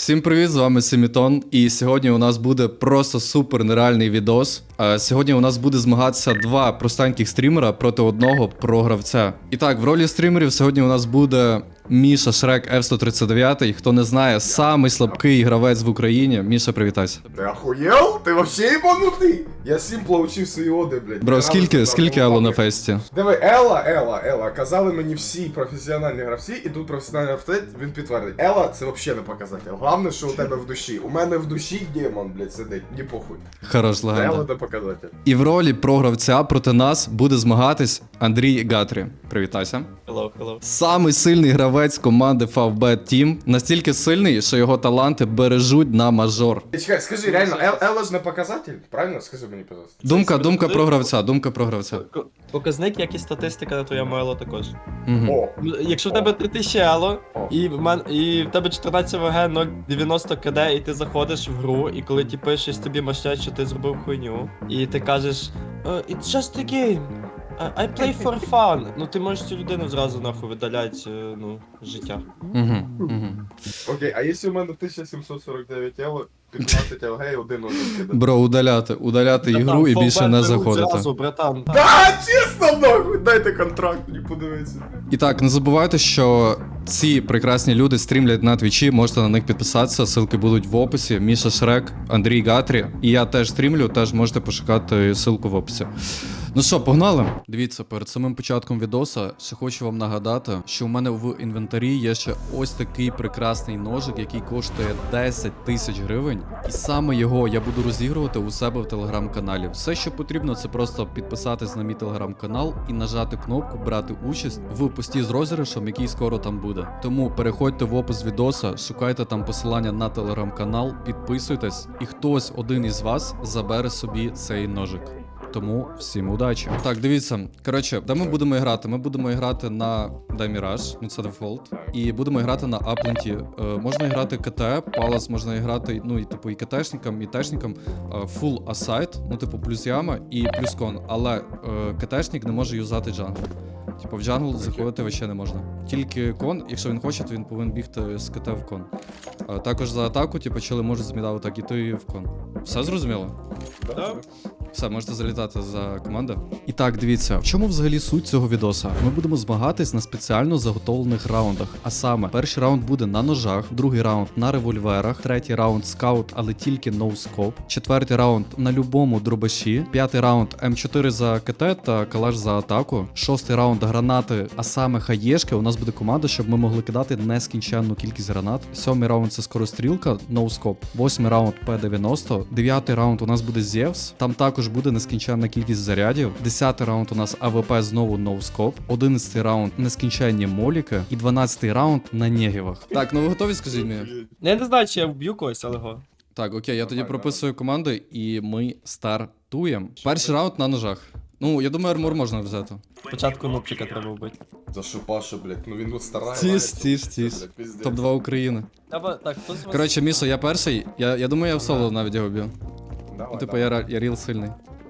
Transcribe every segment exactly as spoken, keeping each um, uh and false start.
Всім привіт, з вами Семітон, і сьогодні у нас буде просто супер нереальний відос. А сьогодні у нас буде змагатися два простеньких стрімера проти одного програвця. І так, в ролі стрімерів сьогодні у нас буде Міша Шрек еф сто тридцять дев'ять. Хто не знає, самий слабкий гравець в Україні. Міша, привітайся. Ты охуел? Ты вообще ебанутый? Я симпла учив свої оди, блядь. Бро, скільки, скільки Ело на фесті? Диви, Ела, Ела, Ела. Казали мені всі професіональні гравці, і тут професіональний гравець, він підтвердить. Ела, це взагалі не показатель. Головне, що у тебе в душі. У мене в душі демон, блядь, сидить, не похуй. Хорош, Ела легенда. це показатель. І в ролі програвця проти нас буде змагатись Андрій Гатрі. Привітайся. Hello, hello. Самий сильний гравець команди Favbet Team. Настільки сильний, що його таланти бережуть на мажор. Чекай, скажи, реально, Ел, Ела ж не показатель? Правильно? Скажи мені, пожалуйста. Думка, думка про гравця, думка про гравця. К- Показник, як і статистика на твоєму ело також. Угу. О, Ну, Якщо в тебе три тисячі ело, О. і в, мен... і в тебе чотирнадцять ВГ, нуль дев'яносто КД, і ти заходиш в гру, і коли ті пишеш, тобі мащать, що ти зробив хуйню, і ти кажеш, «Uh, it's just a game. I I play for fun. Ну ти можеш цю людину зразу нахуй видаляти, е, ну, з життя. Угу. Угу. окей, а якщо у мене тисяча сімсот сорок дев'ять Elo, п'ятнадцять ЛГ і один один. Бро, удаляти, удаляти ігру і Братан, більше Favbet не беруть заходити. Зразу, братан. Да, чесно, нахуй, дайте контракт, мені подивитися. І так, не забувайте, що ці прекрасні люди стрімлять на твічі, можете на них підписатися, ссылки будуть в описі. Міша Шрек, Андрій Гатрі. І я теж стрімлю, теж можете пошукати ссылку в описі. Ну що, погнали? Дивіться, перед самим початком відоса ще хочу вам нагадати, що у мене в інвентарі є ще ось такий прекрасний ножик, який коштує десять тисяч гривень. І саме його я буду розігрувати у себе в телеграм-каналі. Все, що потрібно, це просто підписатись на мій телеграм-канал і нажати кнопку брати участь в пості з розіграшем, який скоро там буде. Тому переходьте в опис відоса, шукайте там посилання на телеграм-канал, підписуйтесь, і хтось один із вас забере собі цей ножик. Тому всім удачі. Так, дивіться. Коротше, де ми будемо грати? Ми будемо грати на Даміраж, ну це дефолт. І будемо грати на Апленті. Е, можна грати КТ, Палас можна грати, ну і типу і КТшникам, і Тешникам. Фул асайт, ну типу плюс яма і плюс кон. Але е, КТшник не може юзати джангл. Типу в джангл заходити вообще не можна. Тільки кон, якщо він хоче, то він повинен бігти з КТ в кон. Е, також за атаку, типу, чили можуть змідав так іти в кон. Все зрозуміло? Да. Все, можете залітати за команду. І так, дивіться, в чому взагалі суть цього відоса? Ми будемо змагатись на спеціально заготовлених раундах. А саме, перший раунд буде на ножах, другий раунд на револьверах, третій раунд скаут, але тільки ноускоп, четвертий раунд на любому дробаші, п'ятий раунд ем чотири за КТ та калаш за атаку, шостий раунд гранати, а саме хаєшки. У нас буде команда, щоб ми могли кидати нескінченну кількість гранат. Сьомий раунд це скорострілка, ноускоп, восьмий раунд пе дев'яносто, дев'ятий раунд у нас буде Зевс, там також буде нескінченна кількість зарядів. десятий раунд у нас АВП знову ноускоп. одинадцятий раунд нескінченні моліки. І дванадцятий раунд на негівах. Так, ну ви готові, скажіть мені? Я не знаю, чи я вб'ю когось, але го. Так, окей, я тоді прописую команди і ми стартуємо. Перший раунд на ножах. Ну, я думаю, армор можна взяти. Спочатку нубчика треба вбити. За що Паша, блядь, ну він тут старає. Тіш, тіш, тіш. топ два України. Треба, так, хто з вас... Коротше, Міша, я перший. Я, я думаю, я в соло навіть його б'ю. Ну, типу, я, ра- я ріл сильний.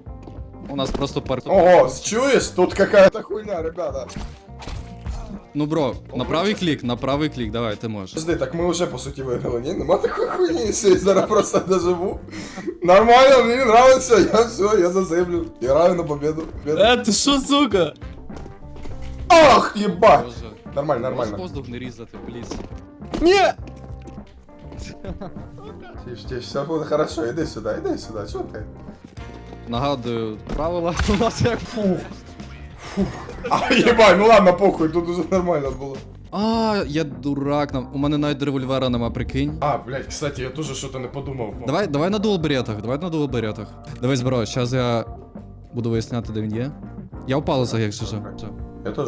У нас просто пар... Ого, чуєш? Тут какая-то хуйня, ребята. Ну, бро, на правий клік, на правий клік, давай, ти можеш. Подожди, так ми вже по суті виграли, ні? Нема такої хуйні, якщо я зараз просто доживу. Нормально, мені нравится, я все, я заземлю. Играю на победу. победу. Е, ти що, сука? Ах, ебать! Боже. Нормально, Можеш нормально. воздух не різати, пліз. Ні! Тише, тише, все буде хорошо, іди сюди, іди сюди, що ти? Нагадую, правила у нас як... Фух. Фух. А, єбать, ну ладно, похуй, тут уже нормально було. А, я дурак, нам... у мене навіть револьвера нема, прикинь. А, блядь, кстати, я теж щось не подумав. Давай, давай на дуал-беретах, давай на дуал-беретах. Дивись, бро, зараз я буду виясняти, де він є. Я в палицях, якщо що. Я теж.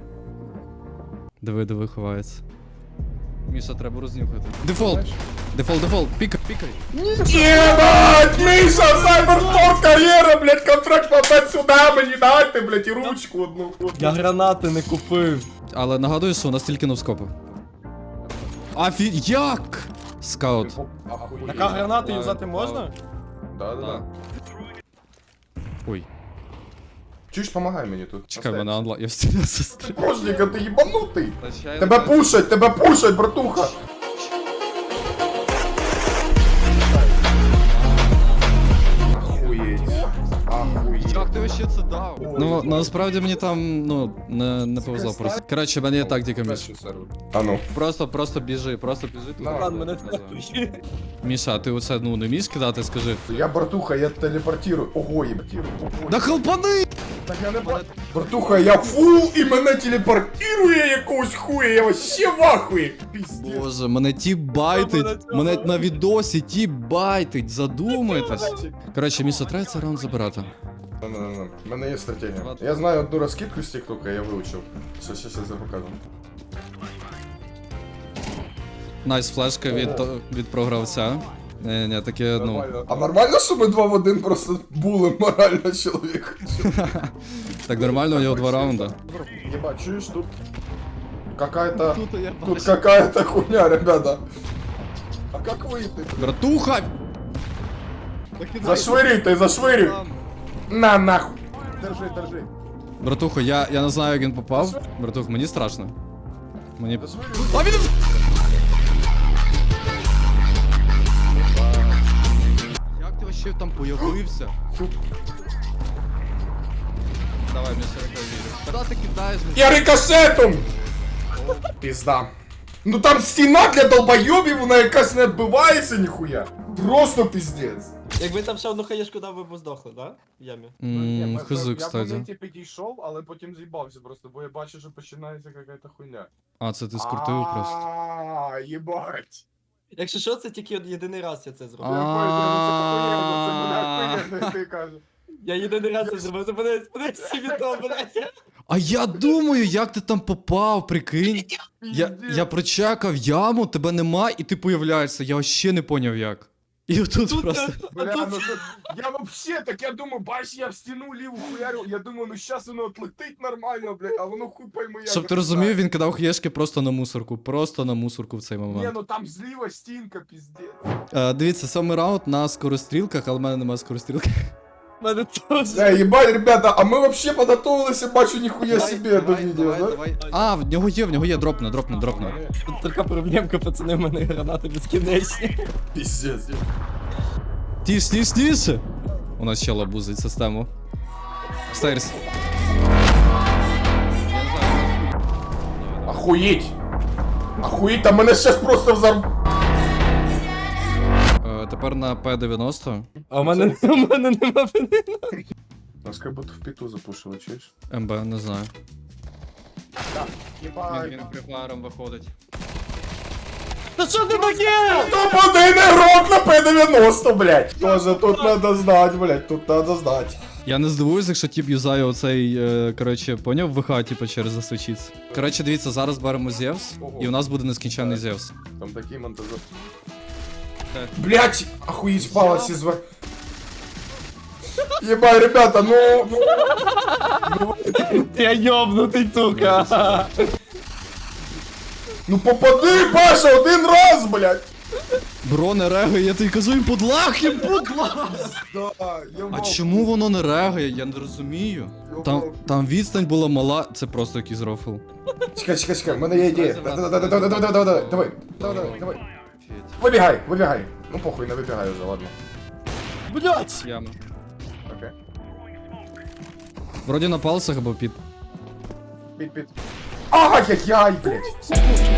Диви, диви, ховається. Міша, треба рознюхати. Дефолт! Дефолт, дефолт, пікай, пікай. Ебать, Миша, Cybersport кар'єра, блядь, контракт попадь сюди, мені дайте, блядь, і ручку одну. Я гранати не купив. Але нагадую, що у нас тільки новскопи. Афі... Як? Скаут. Така гранати юзати можна? Да, да, да. Ой. Чуєш, помагай мені тут. Чекай, мене анла... Я встигну сестрі. Божника, ти єбанутий. Тебе пушать, тебе пушать, братуха. вообще це дав? Ну, насправді мені там, ну, не, не повезло просто. Коротше, в мене є тактика, Міш. А ну. Просто, просто біжи, просто біжи туди. Давай, Ладно, мене Назад. втратує. Міша, а ти оце, ну, не вмієш кидати, скажи. Я братуха, я телепортирую. Ого, єбатірую. Да хелпани! Так я не бачу. Братуха, я фул і мене телепортирує якогось хуя, я вообще в ахуї. Піздець. Боже, мене ті байтить, Мене цього. мене на відосі ті байтить, задумайтесь. Коротше, Міша, треба цей раунд забирати. Не-не-не, в мене є стратегія. Я знаю одну розкидку з тіктока, я вивчив. Що, що, що, я покажу. Найс флешка від, від програвця. Не, не, таке, ну. Нормально. А нормально, що ми два в один просто були морально чоловік? Так нормально, у нього два раунда. Ебать, чуешь, тут какая-то... я Тут какая-то хуйня, ребята. А как выйти? Братуха! Зашвыряй ты, зашвыряй! На нахуй! Держи, держи. Братуха, я, я не знаю, як він попав. Братух, мені страшно. Мені. Зашвыряй. А він... Як ти вообще там появився? Давай, мені сорок вірю. Куди ти кидаєш? Я рикошетом! Пизда. Ну там стена для долбоебів, вона якась не відбивається ніхуя. Просто пиздец. Якби там ще одну хаєшку дав, ви б здохли, да? В ямі. Ммм, хз, Я в кстати. моменті підійшов, але потім з'їбався просто, бо я бачу, що починається якась хуйня. А, це ти скрутив просто. А, єбать. Якщо що, це тільки от єдиний раз я це зробив. Я понял, ну це похуєнно, це буде охуєнно, ти кажеш. Я єдиний раз це зробив, це мене мене всі відомо, блядь. А я думаю, як ти там попав, прикинь. Я, я прочекав яму, тебе нема, і ти появляєшся. Я вообще не поняв як. І отут Тут, просто. а Бля, тут- ну тут, я вообще, так я думаю, бач, я в стіну ліву хуярю, я думаю, ну щас воно отлетить нормально, блядь, а воно хуй пойми як. Щоб ти розумів, він кидав хаєшки просто на мусорку. Просто на мусорку в цей Ні, момент. ну там зліва стінка, піздець. Е, дивіться, сьомий раунд на скорострілках, але в мене немає скорострілки. Мене теж. Да, ебать, ребята, а ми вообще подготовилися, бачу, ніхуя себе до відео, да? А, в нього є, в нього є, дропне, дропне, дропне. Тут така проблемка, пацани, в мене гранати безкінечні. Піздець. Тіш, тіш, тіше! У нас ще лабузить систему. Стейрс. Охуєть. Охуєть, там мене щас просто взорв... Е, тепер на П дев'яносто. А в мене, у мене нема вини. Нас как будто в піту запушили, чуєш? МБ, не знаю. Єбать. припаром виходить. Та що ти таке? Топ-один ігрок на П дев'яносто, блядь. Тоже тут надо знать, блядь, тут надо знать. Я не здивуюсь, якщо тіп юзає оцей, е, коротше, поняв, ВХ, типу, через засвічіться. Коротше, дивіться, зараз беремо Зевс, і у нас буде нескінченний Зевс. Там такий монтажер. Так. Блять, охуеть, палец из во... Ебать, ребята, ну... Я йобнутий, тука. Ну попади, Паша, один раз, блядь! Бро, не регає, я тобі кажу, їм подлах, їм подлах! Да, я А чому воно не регає? Я не розумію. Там, там відстань була мала, це просто якийсь рофл. Чекай, чекай, чекай, в мене є ідея. Давай, давай, давай, давай, давай, давай, давай, давай, давай, давай. Вибігай, вибігай. Ну похуй, не вибігай вже, ладно. Блять! Яма. Окей. Вроді на палцах або під. Під, під. Ай-яй-яй, блядь.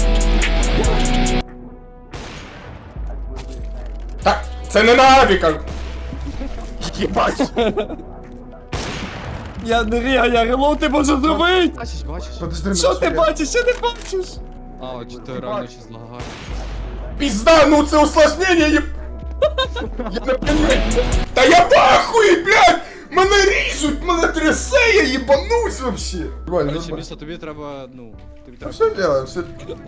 Так, це не на авіках. Єбать. Я не ріга, я релоу ти можеш зробити! Бачиш, бачиш? Подожди, Що мене ти сюди. бачиш, що ти бачиш? А, от чотири реально чи злагає. Пизда, ну це усложнення, єб... Я не понимаю. Та я пахуй, блядь! Мене ріжуть, мене трясе, я їбанусь вообще. Короче, Міша, тобі треба, ну, тобі Ну треба. все делаем, все...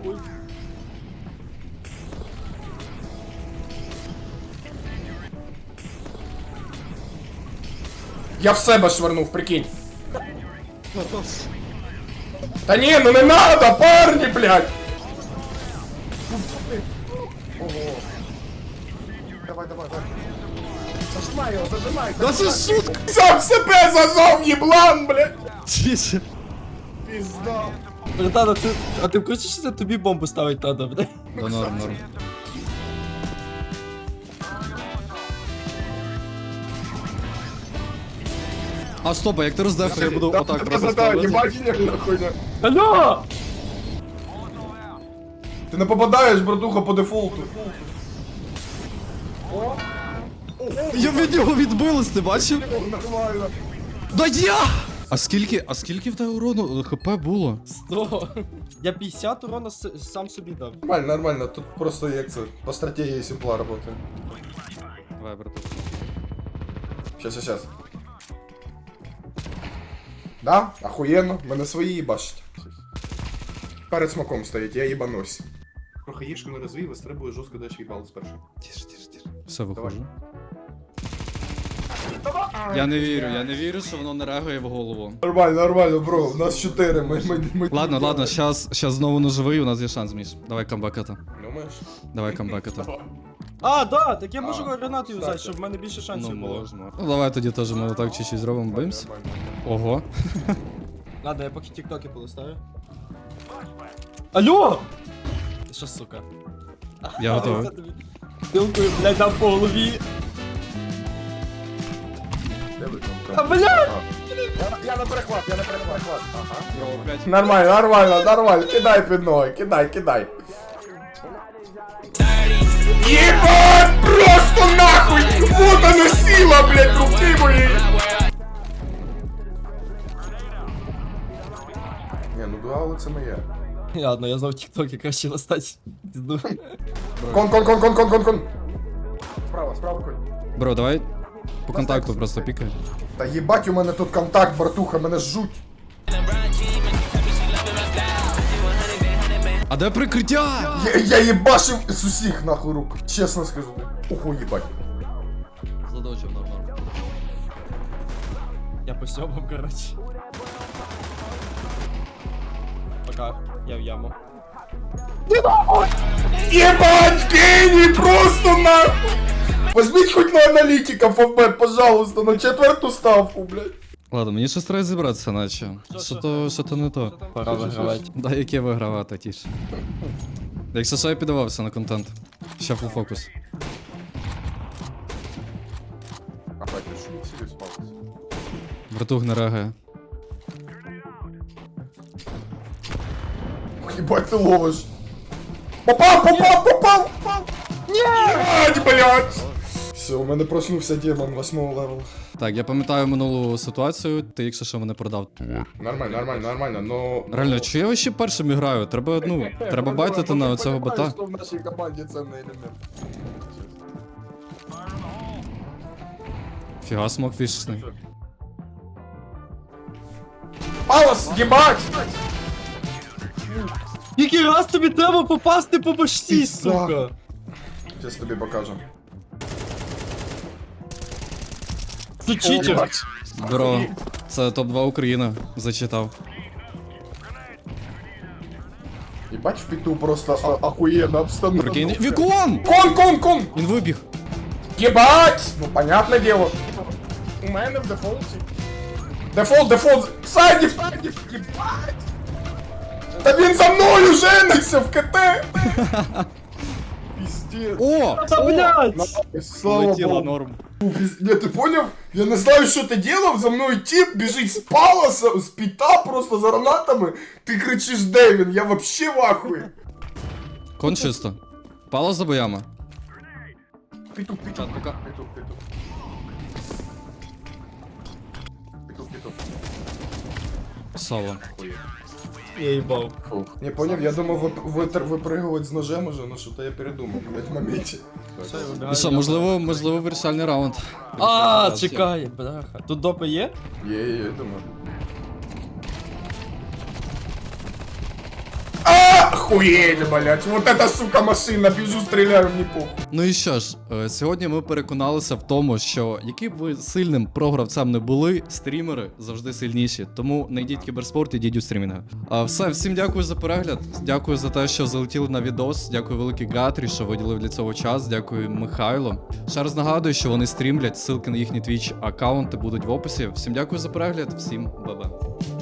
Я в себе швырнув, прикинь. Та ні, ну не надо, парні, блядь! Ого. Давай, давай, давай. Зажимай його, зажимай. Да це шутка! Сам себе зажав, єблан, блядь! Тише. Пізда. Братан, а ти, а ти в курсі, що це тобі бомбу ставить треба, блядь? Да норм, норм. А стоп, а як ти роздав, я буду отак просто Да-да-да, ставити? ебать, не хуйня. Алло! Ти не попадаєш, братуха, по дефолту. Я від нього відбилась, ти бачив? Нормально. Да я! А скільки, а скільки в тебе урону ХП було? сто. Я п'ятдесят урона с- сам собі дав. Нормально, нормально, тут просто як це, по стратегії симпла работає. Давай, братух. Щас, щас, щас. Да? Охуєнно, мене свої їбашать. Перед смаком стоїть, я їбанусь. Трохи їжку не розвій, вистрибує жорстко, дальше їбало спершу. Тише, тише, тише. Все, виходжу. Я не вірю, я не вірю, що воно не реагує в голову. Нормально, нормально, бро, у нас чотири, ми... ми, ми Ладно, ладно, щас, щас знову наживий, у нас є шанс, Міш. Давай камбекати. Думаєш? Давай камбекати. А, да, так я можу А, гранату кстати. взяти, щоб в мене більше шансів Ну, було. можна. Ну, давай тоді теж ми отак чуть-чуть зробимо, бимс. Ого. Ладно, я поки тіктоки полистаю. Алло! Ти що, сука? Я готовий. Пилкою, блядь, дам по голові. А, блядь! Я, я на перехват, я на перехват. Ага. Нормально, нормально, нормально. Кидай під ноги, кидай, кидай. Ебать, просто нахуй! Вот она сила, блядь, руки моей! Не, ну дуали це моє. Ладно, я знов тіктоки краще листать. Пізду. Кон, кон, кон, кон, кон, кон, кон. Справа, справа, конь. Бро, давай по контакту просто пікай. Та їбать, у мене тут контакт, братуха, мене жуть. А де прикриття? Я, я їбашив з усіх нахуй рук, чесно скажу. Ого, їбать. Задочив нормально. Я по сьомам, короче. Пока, я в яму. Ебать, гений, просто нахуй! Возьміть хоть на аналітика, Фавбет, пожалуйста, на четверту ставку, блядь. Ладно, мені щось треба зібратися, наче. Що то, що то не то. Пора вигравати. Да, яке вигравати, тіше. Якщо що, я піддавався на контент. Ще фул фокус. А бать, ти що не цілюсь, палець? Братух не реагує. Ебать, ты ловишь. Попал, попал, попал, попал. Нет, блядь. Все, у мене проснувся демон восьмого левела. Так, я пам'ятаю минулу ситуацію, ти якщо що мене продав. Нормально, нормально, нормально, но... Реально, чи я ще першим граю? Треба, ну, треба байтити на цього бота. Що в нашій команді цінний елемент. Фіга, смок фішечний. Палос, ебать! Який раз тобі треба попасти по башці, Пізда. сука? Сейчас тобі покажу. Це читер. Бро, це топ два Україна, зачитав. Ебать, в піту просто а- охуєнна обстановка. Прикинь, Вікон! Кон, кон, кон! Він вибіг. Ебать! Ну, понятное дело. У мене в дефолті. Дефолт, дефолт! Сайдів, сайдів, ебать! Та він за мною жениться в КТ! Пиздец. О! Та, блядь! Слава Полетіла Богу. норм. Пиз- Не, ты понял? Я не знаю, что ты делал, за мною тип бежит с палоса, с пита просто за гранатами. Ты кричишь Дэвин, я вообще в ахуе. Кон чисто. Пало за боями. Петух, петух, Чат, пока. петух, петух. Петух, петух. Соло. Я їбав. Не понял, я думал вы- вытр- выпрыгивать с ножем уже, но что-то я передумал, блядь, в моменте. Все, я вибігаю. Ну що, можливо, можливо, вирішальний раунд. А, чекай, бляха. Тут допи є? Е, я думаю. Охуеть, блядь, вот эта сука машина, бежу, стреляю, мне похуй. Ну і що ж, е, сьогодні ми переконалися в тому, що яким б ви сильним програвцем не були, стрімери завжди сильніші. Тому не йдіть в кіберспорт, ідіть у стрімінги. А все, всім дякую за перегляд. Дякую за те, що залетіли на відос. Дякую великий Гатрі, що виділив для цього час. Дякую Михайло. Ще раз нагадую, що вони стрімлять. Ссылки на їхні твіч аккаунти будуть в описі. Всім дякую за перегляд, всім ба-ба.